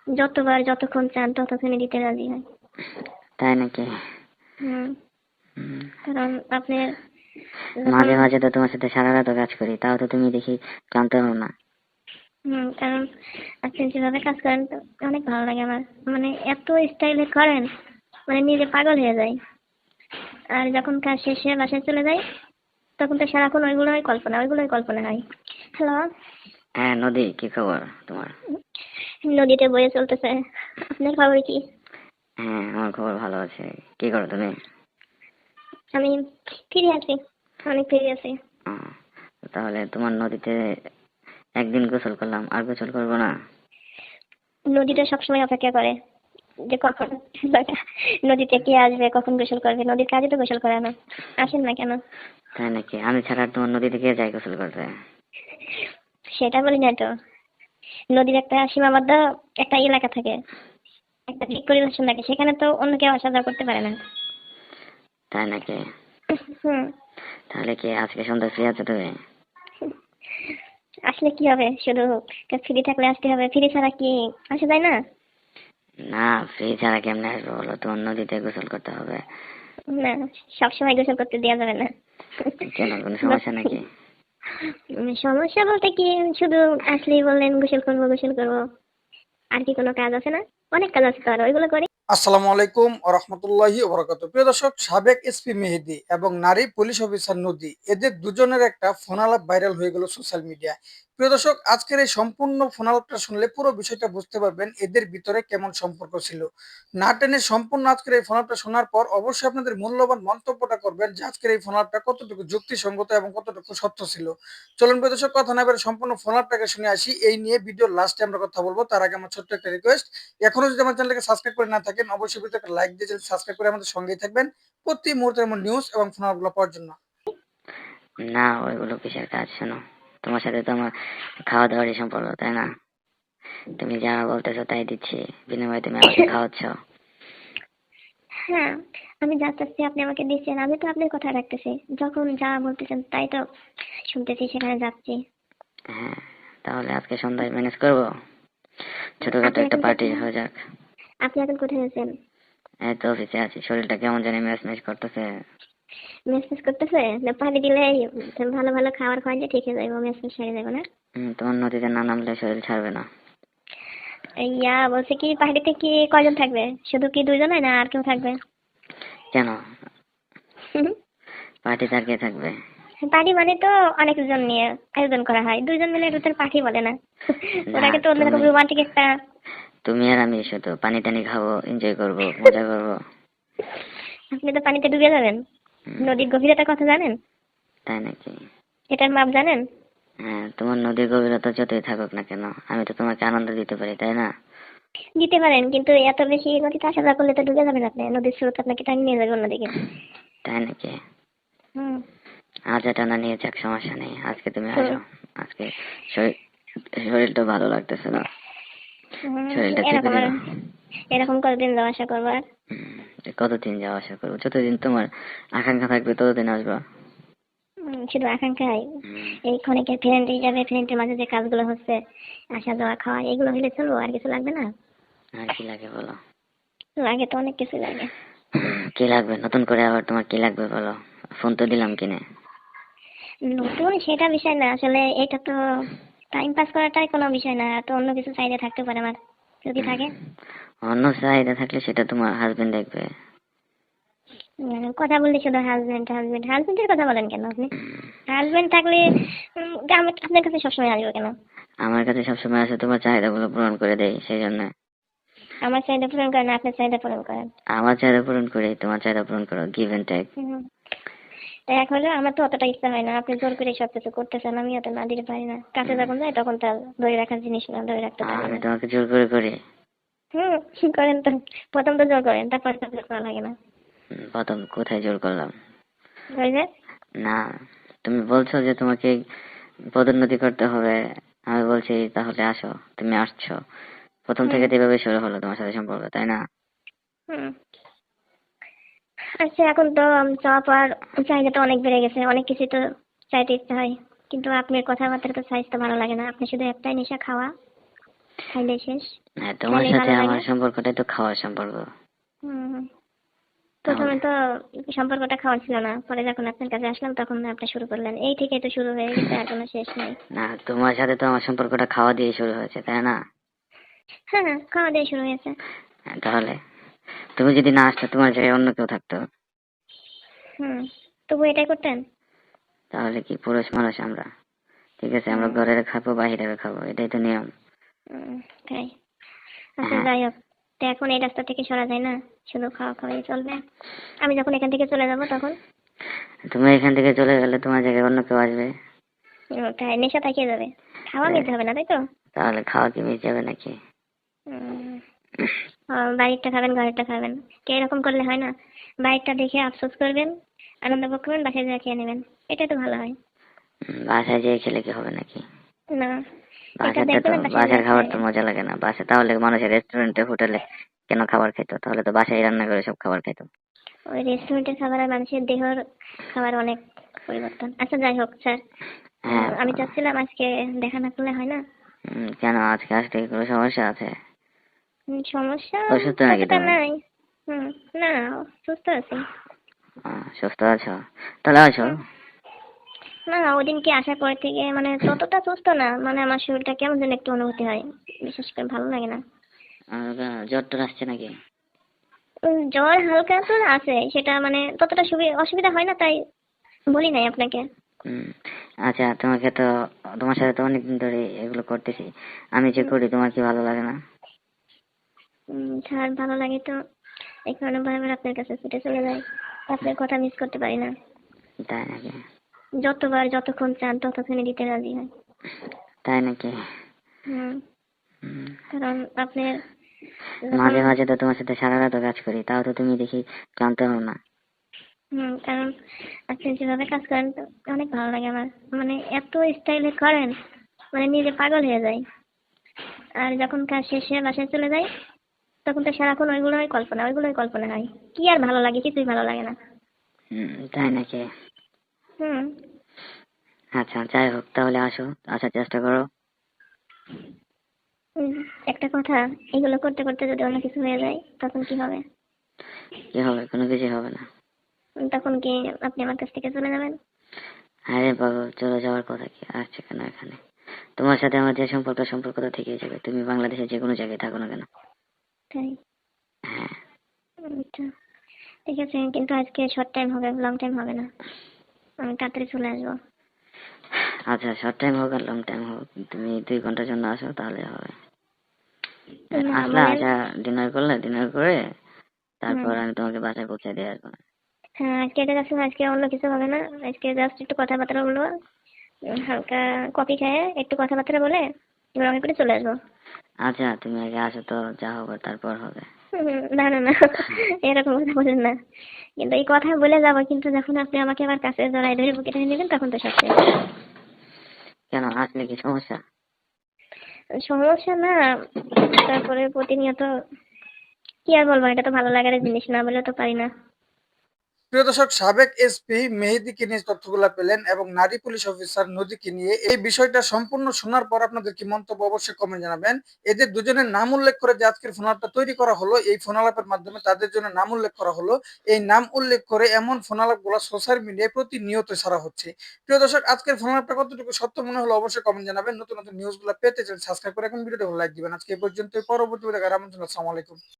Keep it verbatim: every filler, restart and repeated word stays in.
যতবার যতক্ষণ চান ততক্ষণই দিতে রাজি হয়। তাই নাকি? হুম। কারণ আপনি মাঝে মাঝে তো তোমার সাথে সারা রাত কাজ করি, তাও তো তুমি দেখি ক্লান্ত হও না। হুম কারণ আপনি যেভাবে কাজ করেন তো অনেক ভালো লাগে আমার, মানে এত স্টাইলে করেন মানে নিজে পাগল হয়ে যায়। আর যখন কাজ শেষে বাসায় চলে যাই তখন তো সারাক্ষণ ওইগুলোই কল্পনা ওইগুলোই কল্পনা হয়। হ্যালো। হ্যাঁ নদী, কি খবর তোমার? নদীতে বয়ে চলতেছে। আপনার খবর কি? হ্যাঁ আমার খবর ভালো আছে। কি করো তুমি? আমি ফ্রি আছি, অনেক ফ্রি আছি। তাহলে তোমার নদীতে একদিন গোসল করলাম, আর গোসল করবো না? নদীটা সবসময় অপেক্ষা করে যে কখন নদীতে কে আসবে, কখন গোসল করবে। নদীর কাজে তো গোসল করে না, আসেন না কেন? তাই নাকি? আমি ছাড়া তোমার নদীতে কে যায় গোসল করতে? সেটা বলি না তো, নদীর একটা সীমাবদ্ধ একটা এলাকা থাকে, একটা দিক পরিদর্শন থাকে, সেখানে তো অন্য কেউ আসা যাওয়া করতে পারে না। তাই নাকি? হুম। তাহলে কি আজকে সন্ধ্যা ফ্রি আছো তুমি? আসলে কি হবে, শুধু ফ্রি থাকলে আসতে হবে, ফ্রি ছাড়া কি আসা যায় না? না, ফ্রি ছাড়া কেমনে আসবো বলো? তোমার নদীতে গোসল করতে হবে। না, সবসময় গোসল করতে দেওয়া যাবে না। কেন, কোনো সমস্যা নাকি? সমস্যা বলতে কি, শুধু আসলেই বললেন গোসল করবো গোসল করবো, আর কি কোনো কাজ আছে না? অনেক কাজ আছে তো, আর ওইগুলো করি। আসসালামু আলাইকুম ওয়া রাহমাতুল্লাহি ওয়া বারাকাতুহু। প্রিয় দর্শক, সাবেক এসপি মেহেদী এবং নারী পুলিশ অফিসার নদী, এদের দুজনের একটা ফোন আলাপ ভাইরাল হয়ে গেল সোশ্যাল মিডিয়ায়। প্রিয় দর্শক, আজকের এই সম্পূর্ণ ফোন আলাপটা শুনলে পুরো বিষয়টা বুঝতে পারবেন এদের ভিতরে কেমন সম্পর্ক ছিল। না টেনে সম্পূর্ণ আজকের এই ফোন আলাপটা শোনার পর অবশ্যই আপনাদের মূল্যবান মন্তব্যটা করবেন যে আজকের এই ফোন আলাপটা কতটুকু যুক্তিসঙ্গত এবং কতটুকু সত্য ছিল। চলুন প্রিয় দর্শক, কথা না বলে সম্পূর্ণ ফোন আলাপটাকে শুনে আসি। এই নিয়ে ভিডিওর লাস্টে আমরা কথা বলবো, তার আগে আমার ছোট্ট একটা রিকোয়েস্ট, এখনো যদি আমার চ্যানেলকে সাবস্ক্রাইব করে না থাকেন অবশ্যই ভিডিওতে একটা লাইক দিয়ে চ্যানেল সাবস্ক্রাইব করে আমাদের সঙ্গেই থাকবেন প্রতি মুহূর্তের এমন নিউজ এবং ফোনাগুলো পাওয়ার জন্য। না, ওইগুলো কিসের কাজ? শোনো, তোমার সাথে তো আমার খাওয়া দাওয়ারই সম্পর্ক, তাই না? তুমি যা বলতেছো তাই দিচ্ছি, বিনিময়ে তুমি আমাকে খাওয়াচ্ছ। হ্যাঁ, আমি যা চাচ্ছি আপনি আমাকে দিচ্ছেন, আমি তো আপনার কথা রাখতেছি, যখন যা বলতেছেন তাই তো শুনতেছি, সেখানে যাচ্ছি। হ্যাঁ, তাহলে আজকে সন্ধ্যায় ম্যানেজ করবো, ছোটখাটো আপনি একটা এখন পার্টি কোথায়? হয়ে যাক। আপনি এখন কোথায় আছেন? এই তো অফিসে আছি, শরীরটা কেমন জানি ম্যাচ ম্যাচ করতেছে। মেসেজ করতেছে না? পানি দিলে ভালো ভালো খাবার খাওয়াইলে ঠিক হয়ে যাবো, মেসেজ সেরে যাবো না? হম, তোমার নদীতে না নামলে শরীর ছাড়বে না। ইয়া বলছে কি, পাহাড়িতে কি কয়জন থাকবে? শুধু কি দুইজনে না আর কেউ থাকবে? কেন, পার্টিতে আর কে থাকবে? পার্টি মানে তো অনেকজন নিয়ে আয়োজন করা হয়, দুইজন মিলে এটা তো পার্টি বলে না। না, ওটাকে তো অন্যরকম তুমি রোমান্টিক একটা। তুমি আর আমি শুধু পানি টানি খাবো, এনজয় করবো, মজা করবো। আপনি তো পানিতে ডুবে যাবেন। হুম, নদীর গভীরতার কথা জানেন? তাই নাকি? এটার মাপ জানেন? হ্যাঁ, তোমার নদীর গভীরতা যতই থাকুক না কেন, আমি তো তোমাকে আনন্দ দিতে পারি, তাই না? দিতে পারেন, কিন্তু এত বেশি নদীতে আসা যাওয়া করলে তো ডুবে যাবেন আপনি, নদীর স্রোত আপনাকে টানি নিয়ে যাবে অন্যদিকে। তাই নাকি? হুম। আজ টানা নিয়ে যাক, সমস্যা নেই, আজকে তুমি আসো। আজকে শরীর শরীরটা ভালো লাগতেছে না, শরীরটা চেপে এরকম আর দিল। এরকম কতদিন যাওয়া আসা করবো আর? হুম, কতদিন যাওয়া আসা করবো? যতদিন তোমার আকাঙ্ক্ষা থাকবে ততদিন আসবা। উম, শুধু আকাঙ্ক্ষাই? হুম, এই ক্ষণিকের ফ্রেন্ড হিসাবে ফ্রেন্ডের মাঝে যে কাজগুলো হচ্ছে, আসা যাওয়া খাওয়া, এগুলো হলে চলবো, আর কিছু লাগবে না? আর কি লাগে বলো? লাগে তো, অনেক কিছু লাগে। কি লাগবে নতুন করে আবার? তোমার কি লাগবে বলো? ফোন তো দিলাম কিনে। নতুন সেটা বিষয় না, আসলে এটা তো টাইম পাস করাটাই কোনো বিষয় না, তো অন্য কিছু চাইলে থাকতে পারে আমার, যদি থাকে। অন্য চাহিদা থাকলে সেটা তোমার হাজবেন্ড দেখবে। উম, কথা বললে শুধু হাজবেন্ড হাজবেন্ড হাজবেন্ডের কথা বলেন কেন আপনি? হাজবেন্ড থাকলে উম, আমি আপনার কাছে সবসময় আসবো কেন? আমার কাছে সবসময় আসে তোমার চাহিদাগুলো পূরণ করে দেই, সেই জন্য। আমার চাহিদা পূরণ করেন, আপনার চাহিদা পূরণ করেন। আমার চাহিদা পূরণ করে তোমার চাহিদা পূরণ করো, গিভ এন্ড টেক। হুম। তাই এখন হলো আমার তো অতটা ইচ্ছা হয় না, আপনি জোর করে সবকিছু করতেছেন, আমি অত না দিতে পারি না। কাছে যখন যাই তখন তার ধরে রাখার জিনিস না, ধরে রাখতে পারি আমি না। তোমাকে জোর করে করি? হুম, করেন তো। প্রথম তো জোর করেন, তারপর তো জোর করা লাগে না। হুম, প্রথম কোথায় জোর করলাম? ওই যে। না, তুমি বলছো যে তোমাকে পদোন্নতি করতে হবে, আমি বলছি তাহলে আসো, তুমি আসছো। প্রথম হুম। থেকে তো এভাবে শুরু হলো তোমার সাথে সম্পর্ক, তাই না? হুম। আচ্ছা, এখন তো চাওয়া পাওয়ার চাহিদাটা অনেক বেড়ে গেছে, অনেক কিছু তো চাইতে ইচ্ছা হয়, কিন্তু আপনার কথাবার্তার তো সাইজ তো ভালো লাগে না, আপনি শুধু একটাই নেশা, খাওয়া। খাইলে শেষ। হ্যাঁ, তোমার খাইলে সাথে ভালো আমার লাগে। সম্পর্কটাই তো খাওয়ার সম্পর্ক। হুম, প্রথমে তাহলে তো সম্পর্কটা খাওয়ার ছিল না, পরে যখন আপনার কাছে আসলাম তখন আপনি শুরু করলেন। এই থেকে তো শুরু হয়ে গেছে, আর কোনো শেষ নাই। না, তোমার সাথে তো আমার সম্পর্কটা খাওয়া দিয়ে শুরু হয়েছে, তাই না? হ্যাঁ, হ্যাঁ, খাওয়া দিয়ে শুরু হয়েছে। হ্যাঁ, তাহলে তুমি যদি না আসতে তোমার জায়গায় অন্য কেউ থাকতো, হুম, তবু এটাই করতেন? তাহলে কি পুরুষ মানুষ আমরা, ঠিক আছে, আমরা হুম, ঘরের খাবো বাহিরের খাবো, এটাই তো নিয়ম। হুম, তাই। আচ্ছা, হ্যাঁ, যাই হোক। তো এখন এই রাস্তা থেকে সরা যায় না, শুধু খাওয়া খাওয়াই চলবে? আমি যখন এখান থেকে চলে যাব তখন? তুমি এখান থেকে চলে গেলে তোমার জায়গায় অন্য কেউ আসবে। ও, তাই নেশা থাকিয়ে যাবে, খাওয়া এ, মিলতে হবে না, তাই তো? তাহলে খাওয়া কি মিস যাবে নাকি? হুম, ও, বাড়িরটা খাবেন ঘরেরটা খাবেন, কে এরকম করলে হয় না? বাইরটা দেখে আফসোস করবেন, আনন্দ ভোগ করবেন, বাসায় যা খেয়ে নেবেন, এটাই তো ভালো হয়। উম, বাসায় যেয়ে খেলে কি হবে নাকি? না, এটা বাসাতে তো দেখবেন আর বাসায় যা বাসার খাবার তো খাবেন। মজা লাগে না বাসা, তাহলে মানুষের রেস্টুরেন্টে হোটেলে কেন খাবার খেতো? তাহলে তো বাসায় রান্না করে সব খাবার খেতো। ওই রেস্টুরেন্টের খাবার আর মানুষের দেহর খাবার অনেক পরিবর্তন। আচ্ছা, যাই হোক স্যার। হ্যাঁ, আহ, আমি চাচ্ছিলাম আজকে দেখা না করলে হয় না? উম, কেন আজকে আসতে কি কোনো সমস্যা আছে? হুম, সমস্যা অসুস্থ নাকি ততটা তুমি? নাই। হুম, না, সুস্থ আছি। আহ, সুস্থ আছো? তাহলে আসো। হুম, না, ওদিনকে আসার পর থেকে মানে ততটা সুস্থ না, মানে আমার শরীরটা কেমন যেন একটু অনুভূতি হয়, বিশেষ করে ভালো লাগে না। আর, আহ, জ্বর টর আসছে নাকি? উম, জ্বর হালকা তো আছে, সেটা মানে ততটা সুবি- অসুবিধা হয় না, তাই বলি নাই আপনাকে। হুম, আচ্ছা, তোমাকে তো, তোমার সাথে তো অনেকদিন ধরে এগুলো করতেছি, আমি যে হুম, করি তোমার কি ভালো লাগে না? উম, স্যার, ভালো লাগে তো, এই কারণে বারবার আপনার কাছে ছুটে চলে যাই, আপনার কথা মিস করতে পারি না। তাই নাকি? যতবার যতক্ষণ চান ততক্ষণই দিতে রাজি হয়। তাই নাকি? হুম, হুম, কারণ আপনার যখন, মাঝে মাঝে তো তোমার সাথে সারা রাত কাজ করি, তাও তো তুমি দেখি ক্লান্ত হও না। হুম, কারণ আপনি যেভাবে কাজ করেন তো অনেক ভালো লাগে আমার। মানে এত স্টাইলে করেন, মানে নিজে পাগল হয়ে যায়। আর যখন কাজ শেষে বাসায় চলে যাই তখন তো সারাক্ষণ ওইগুলোই কল্পনা ওইগুলোই কল্পনা হয়। কি আর ভালো লাগে? কিছুই ভালো লাগে না। হুম, তাই নাকি? হুম, আচ্ছা, যাই হোক, তাহলে আসো, আসার চেষ্টা করো। উম, একটা কথা, এগুলো করতে করতে যদি অন্য কিছু হয়ে যায় তখন কি হবে? কি হবে? কোনো কিছু হবে না। উম, তখন কি আপনি আমার কাছ থেকে চলে যাবেন? আরে বাবা, চলে যাওয়ার কথা কি আসছে কেন এখানে? তোমার সাথে আমার যে সম্পর্ক, সম্পর্ক তো থেকেই যাবে, তুমি বাংলাদেশের যে কোনো জায়গায় থাকো না কেন। তাই? হ্যাঁ। আচ্ছা, ঠিক আছে, কিন্তু আজকে শর্ট টাইম হবে, লং টাইম হবে না। আমি তাড়াতাড়ি চলে আসবো। আচ্ছা, শর্ট টাইম হোক আর লং টাইম হোক, তুমি দুই ঘন্টার জন্য আসো তাহলে হবে। না, আসলা, বলেন। আসা, ডিনার করলে, ডিনার করে হুম, তারপর আমি তোমাকে বাসায় পৌঁছে দিয়ে আসবো। হ্যাঁ, আজকে এটা যাচ্ছে না, আজকে অন্য কিছু হবে না। আজকে জাস্ট একটু কথাবার্তা বলবো, উম, হালকা কফি খেয়ে একটু কথাবার্তা বলে রঙে করে চলে আসবো। আচ্ছা, তুমি আগে আসো তো, যা হবে তারপর হবে। হুম, না, না, না, এরকম কথা বলেন না। কিন্তু এই কথা বলে যাবো, কিন্তু যখন আপনি আমাকে আবার কাছে জড়াই ধরে বুকে টেনে নেবেন তখন তো সব শেষ। কেন, আসলে কি সমস্যা? সমস্যা না, তারপরে প্রতিনিয়ত কি আর বলবো, এটা তো ভালো লাগার জিনিস, না বলে তো পারি না। প্রিয় দর্শক, সাবেক এসপি মেহেদীকে নিয়ে তথ্যগুলো পেলেন এবং নারী পুলিশ অফিসার নদীকে নিয়ে এই বিষয়টা সম্পূর্ণ শোনার পর আপনাদের কি মন্তব্য অবশ্যই কমেন্ট জানাবেন। এদের দুজনের নাম উল্লেখ করে যে আজকের ফোন আলাপটা তৈরি করা হলো, এই ফোন আলাপের মাধ্যমে তাদের জন্য নাম উল্লেখ করা হলো। এই নাম উল্লেখ করে এমন ফোন আলাপগুলো সোশ্যাল মিডিয়ায় প্রতিনিয়ত ছাড়া হচ্ছে। প্রিয় দর্শক, আজকের ফোন আলাপটা কতটুকু সত্য মনে হলো অবশ্যই কমেন্ট জানাবেন। নতুন নতুন নিউজগুলো পেতে চান সাবস্ক্রাইব করে এখন ভিডিওটা লাইক দিবেন। আজকে এই পর্যন্ত, পরবর্তী ভিডিও দেখার আমন্ত্রণ। আসসালামু আলাইকুম।